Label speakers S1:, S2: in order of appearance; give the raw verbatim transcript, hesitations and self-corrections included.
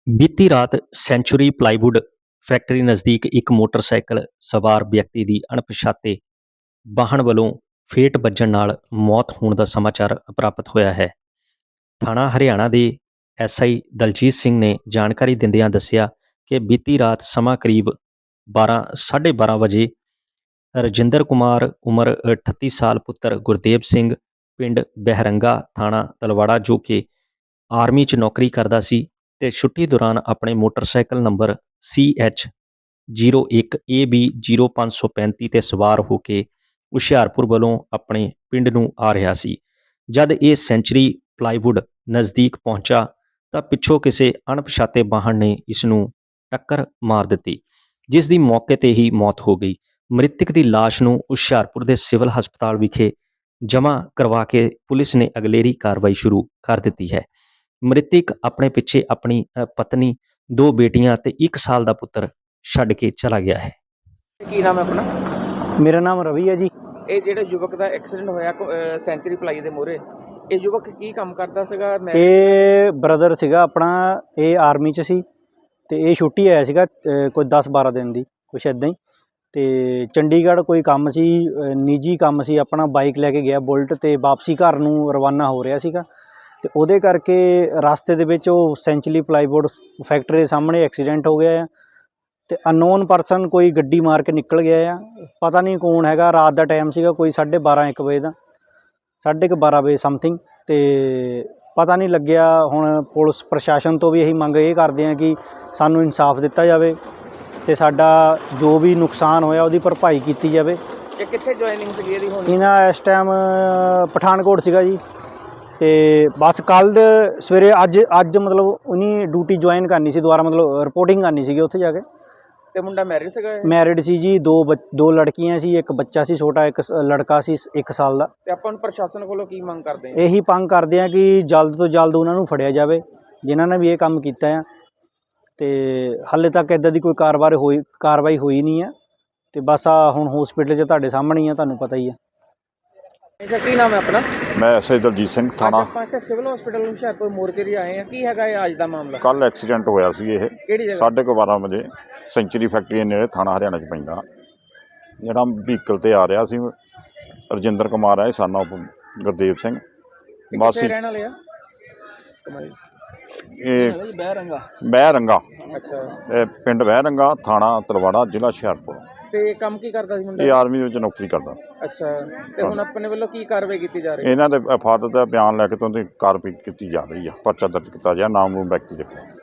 S1: ਬੀਤੀ ਰਾਤ sanctuary plywood factory ਨਜ਼ਦੀਕ ਇੱਕ ਮੋਟਰਸਾਈਕਲ ਸਵਾਰ ਵਿਅਕਤੀ ਦੀ ਅਣਪਛਾਤੇ ਵਾਹਨ ਵੱਲੋਂ ਫੇਟ ਵੱਜਣ ਨਾਲ ਮੌਤ ਹੋਣ ਦਾ ਸਮਾਚਾਰ ਪ੍ਰਾਪਤ ਹੋਇਆ ਹੈ। ਥਾਣਾ ਹਰਿਆਣਾ ਦੇ ਐਸ ਆਈ ਦਲਜੀਤ ਸਿੰਘ ਨੇ ਜਾਣਕਾਰੀ ਦਿੰਦਿਆਂ ਦੱਸਿਆ ਕਿ ਬੀਤੀ ਰਾਤ ਸਮਾਂ ਕਰੀਬ ਬਾਰਾਂ ਸਾਢੇ ਬਾਰਾਂ ਵਜੇ ਰਜਿੰਦਰ ਕੁਮਾਰ ਉਮਰ ਅਠੱਤੀ ਸਾਲ ਪੁੱਤਰ ਗੁਰਦੇਵ ਸਿੰਘ ਪਿੰਡ ਬਹਿਰੰਗਾ ਥਾਣਾ ਤਲਵਾੜਾ ਜੋ ਕਿ ਆਰਮੀ 'ਚ ਨੌਕਰੀ ਕਰਦਾ ਸੀ ਤੇ ਛੁੱਟੀ ਦੌਰਾਨ ਆਪਣੇ motorcycle number C H zero ਇੱਕ ਏ ਬੀ ਜ਼ੀਰੋ ਪੰਜ ਸੌ ਪੈਂਤੀ 'ਤੇ ਸਵਾਰ ਹੋ ਕੇ ਹੁਸ਼ਿਆਰਪੁਰ ਵੱਲੋਂ ਆਪਣੇ ਪਿੰਡ ਨੂੰ ਆ ਰਿਹਾ ਸੀ। ਜਦ ਇਹ ਸੈਂਚਰੀ ਪਲਾਈਵੁੱਡ ਨਜ਼ਦੀਕ ਪਹੁੰਚਾ ਤਾਂ ਪਿੱਛੋਂ ਕਿਸੇ ਅਣਪਛਾਤੇ ਵਾਹਨ ਨੇ ਇਸ ਨੂੰ ਟੱਕਰ ਮਾਰ ਦਿੱਤੀ, ਜਿਸ ਦੀ ਮੌਕੇ 'ਤੇ ਹੀ ਮੌਤ ਹੋ ਗਈ। ਮ੍ਰਿਤਕ ਦੀ ਲਾਸ਼ ਨੂੰ ਹੁਸ਼ਿਆਰਪੁਰ ਦੇ ਸਿਵਲ ਹਸਪਤਾਲ ਵਿਖੇ ਜਮ੍ਹਾਂ ਕਰਵਾ ਕੇ ਪੁਲਿਸ ਨੇ ਅਗਲੇਰੀ ਕਾਰਵਾਈ ਸ਼ੁਰੂ ਕਰ ਦਿੱਤੀ ਹੈ। ਮ੍ਰਿਤਕ ਆਪਣੇ ਪਿੱਛੇ ਆਪਣੀ ਅ, ਪਤਨੀ, ਦੋ ਬੇਟੀਆਂ ਤੇ ਇੱਕ ਸਾਲ ਦਾ ਪੁੱਤਰ ਛੱਡ ਕੇ ਚਲਾ ਗਿਆ ਹੈ।
S2: ਕੀ ਨਾਮ ਹੈ ਆਪਣਾ?
S3: ਮੇਰਾ ਨਾਮ ਰਵੀ ਹੈ ਜੀ।
S2: ਇਹ ਜਿਹੜੇ ਯੁਵਕ ਦਾ ਐਕਸੀਡੈਂਟ ਹੋਇਆ ਕੋ- ਅਹ ਸੈਂਚੁਰੀ ਪਲਾਈ ਦੇ ਮੂਹਰੇ, ਇਹ ਯੁਵਕ ਕੀ ਕੰਮ ਕਰਦਾ ਸੀਗਾ? ਮੈਂ
S3: ਇਹ ਬ੍ਰਦਰ ਸੀਗਾ ਆਪਣਾ, ਇਹ ਆਰਮੀ 'ਚ ਸੀ ਤੇ ਇਹ ਛੁੱਟੀ ਆਇਆ ਸੀਗਾ ਅ, ਕੋਈ ਦਸ ਬਾਰਾਂ ਦਿਨ ਦੀ, ਕੁਛ ਇੱਦਾਂ ਹੀ। ਤੇ ਚੰਡੀਗੜ੍ਹ ਕੋਈ ਕੰਮ ਸੀ, ਅ, ਨਿੱਜੀ ਕੰਮ ਸੀ ਆਪਣਾ, ਬਾਈਕ ਲੈ ਕੇ ਗਿਆ ਬੁਲਟ ਤੇ ਵਾਪਸੀ ਘਰ ਨੂੰ ਰਵਾਨਾ ਹੋ ਰਿਹਾ ਸੀਗਾ ਤੇ ਉਹਦੇ ਕਰਕੇ ਰਸਤੇ ਦੇ ਵਿੱਚ ਉਹ ਸੈਂਚੁਰੀ ਪਲਾਈਵੁੱਡ ਫੈਕਟਰੀ ਦੇ ਸਾਹਮਣੇ ਐਕਸੀਡੈਂਟ ਹੋ ਗਿਆ ਆ ਤੇ ਅਨਨੋਨ ਪਰਸਨ ਕੋਈ ਗੱਡੀ ਮਾਰ ਕੇ ਨਿਕਲ ਗਿਆ ਆ। ਪਤਾ ਨਹੀਂ ਕੌਣ ਹੈਗਾ, ਰਾਤ ਦਾ ਟਾਈਮ ਸੀਗਾ ਕੋਈ ਸਾਢੇ ਬਾਰਾਂ ਇੱਕ ਵਜੇ ਦਾ, ਸਾਢੇ ਕੁ ਬਾਰਾਂ ਵਜੇ ਸਮਥਿੰਗ, ਤੇ ਪਤਾ ਨਹੀਂ ਲੱਗਿਆ। ਹੁਣ ਪੁਲਿਸ ਪ੍ਰਸ਼ਾਸਨ ਤੋਂ ਵੀ ਇਹੀ ਮੰਗ ਇਹ ਕਰਦੇ ਆ ਕਿ ਸਾਨੂੰ ਇਨਸਾਫ ਦਿੱਤਾ ਜਾਵੇ ਤੇ ਸਾਡਾ ਜੋ ਵੀ ਨੁਕਸਾਨ ਹੋਇਆ ਉਹਦੀ ਭਰਪਾਈ ਕੀਤੀ ਜਾਵੇ।
S2: ਇਹ ਕਿੱਥੇ ਜੁਆਇਨਿੰਗ ਸੀਗੀ ਇਹਦੀ ਹੁਣ?
S3: ਇਹਨਾਂ ਇਸ ਟਾਈਮ ਪਠਾਨਕੋਟ ਸੀਗਾ ਜੀ ਤੇ ਬਸ ਕੱਲ੍ਹ ਸਵੇਰੇ ਅੱਜ ਅੱਜ ਮਤਲਬ ਉਹਨੀ ਡਿਊਟੀ ਜੁਆਇਨ ਕਰਨੀ ਸੀ ਦੁਬਾਰਾ, ਮਤਲਬ ਰਿਪੋਰਟਿੰਗ ਕਰਨੀ ਸੀਗੀ ਉੱਥੇ ਜਾ ਕੇ।
S2: ਤੇ ਮੁੰਡਾ ਮੈਰਿਡ ਸੀਗਾ ਇਹ?
S3: ਮੈਰਿਡ ਸੀ ਜੀ, ਦੋ ਬੱਚ- ਦੋ ਲੜਕੀਆਂ ਸੀ, ਇੱਕ ਬੱਚਾ ਸੀ ਛੋਟਾ, ਇੱਕ ਸ- ਲੜਕਾ ਸੀ ਇੱਕ ਸਾਲ ਦਾ।
S2: ਤੇ ਆਪਾਂ ਨੂੰ ਪ੍ਰਸ਼ਾਸਨ ਕੋਲੋਂ ਕੀ ਮੰਗ ਕਰਦੇ ਆ?
S3: ਇਹੀ ਮੰਗ ਕਰਦੇ ਆ ਕਿ ਜਲਦ ਤੋਂ ਜਲਦ ਉਹਨਾਂ ਨੂੰ ਫੜਿਆ ਜਾਵੇ ਜਿਨ੍ਹਾਂ ਨੇ ਵੀ ਇਹ ਕੰਮ ਕੀਤਾ ਆ। ਤੇ ਹਾਲੇ ਤੱਕ ਇੱਦਾਂ ਦੀ ਕੋਈ ਕਾਰਵਾਈ ਹੋਈ ਕਾਰਵਾਈ ਹੋਈ ਨਹੀਂ ਆ ਤੇ ਬਸ ਆ ਹੁਣ ਹੌਸਪੀਟਲ 'ਚ ਤੁਹਾਡੇ ਸਾਹਮਣੇ ਹੀ ਆ, ਤੁਹਾਨੂੰ ਪਤਾ ਹੀ ਆ।
S2: ਅੱਛਾ, ਕੀ ਨਾਮ ਹੈ ਆਪਣਾ?
S4: ਮੈਂ ਐਸ ਆਈ ਦਲਜੀਤ ਸਿੰਘ
S2: ਅੱਜ
S4: ਥਾਣਾ।
S2: ਆਪਾਂ ਇੱਥੇ ਸਿਵਲ ਹਸਪੀਟਲ ਹੁਸ਼ਿਆਰਪੁਰ ਮੋਰਚਰੀ ਆਏ ਆ, ਕੀ ਹੈਗਾ ਇਹ ਅੱਜ ਦਾ ਮਾਮਲਾ?
S4: ਕੱਲ ਐਕਸੀਡੈਂਟ ਹੋਇਆ ਸੀ, ਇਹ
S2: ਕਿਹੜੀ ਜਗ੍ਹਾ?
S4: ਸਾਢੇ ਕੁ ਬਾਰਾਂ ਵਜੇ ਸੈਂਚੁਰੀ ਫੈਕਟਰੀ ਦੇ ਨੇੜੇ ਥਾਣਾ ਹਰਿਆਣਾ 'ਚ ਪੈਂਦਾ। ਜਿਹੜਾ ਵਹੀਕਲ 'ਤੇ ਆ ਰਿਹਾ ਸੀ ਰਜਿੰਦਰ ਕੁਮਾਰ ਹੈ, ਸਨ ਆਫ ਗੁਰਦੇਵ ਸਿੰਘ
S2: ਇਹ
S4: ਵਾਸੀ
S2: ਕਿੱਥੇ ਰਹਿਣ ਵਾਲੇ ਆ?
S4: ਇਹ
S3: ਬਹਿਰੰਗਾ।
S4: ਬਹਿਰੰਗਾ,
S2: ਅੱਛਾ,
S4: ਇਹ ਪਿੰਡ ਬਹਿਰੰਗਾ, ਥਾਣਾ ਤਲਵਾੜਾ, ਜ਼ਿਲ੍ਹਾ ਹੁਸ਼ਿਆਰਪੁਰ।
S2: ਤੇ ਕੰਮ ਕੀ ਕਰਦਾ ਸੀ ਮੁੰਡਾ?
S4: ਇਹ ਆਰਮੀ ਵਿੱਚ ਨੌਕਰੀ ਕਰਦਾ।
S2: ਅੱਛਾ, ਤੇ ਹੁਣ ਆਪਣੇ ਵੱਲੋਂ ਕੀ ਕਾਰਵਾਈ ਕੀਤੀ ਜਾ ਰਹੀ ਹੈ?
S4: ਇਹਨਾਂ ਦੇ ਫਾਦਰ ਦਾ ਬਿਆਨ ਲੈ ਕੇ ਤੋਂ ਉਹਦੀ ਕਾਰਵਾਈ ਕੀਤੀ ਜਾ ਰਹੀ ਆ, ਪਰਚਾ ਦਰਜ ਕੀਤਾ ਗਿਆ, ਨਾਮ ਨੂੰ ਵਿਅਕਤੀ ਦੇ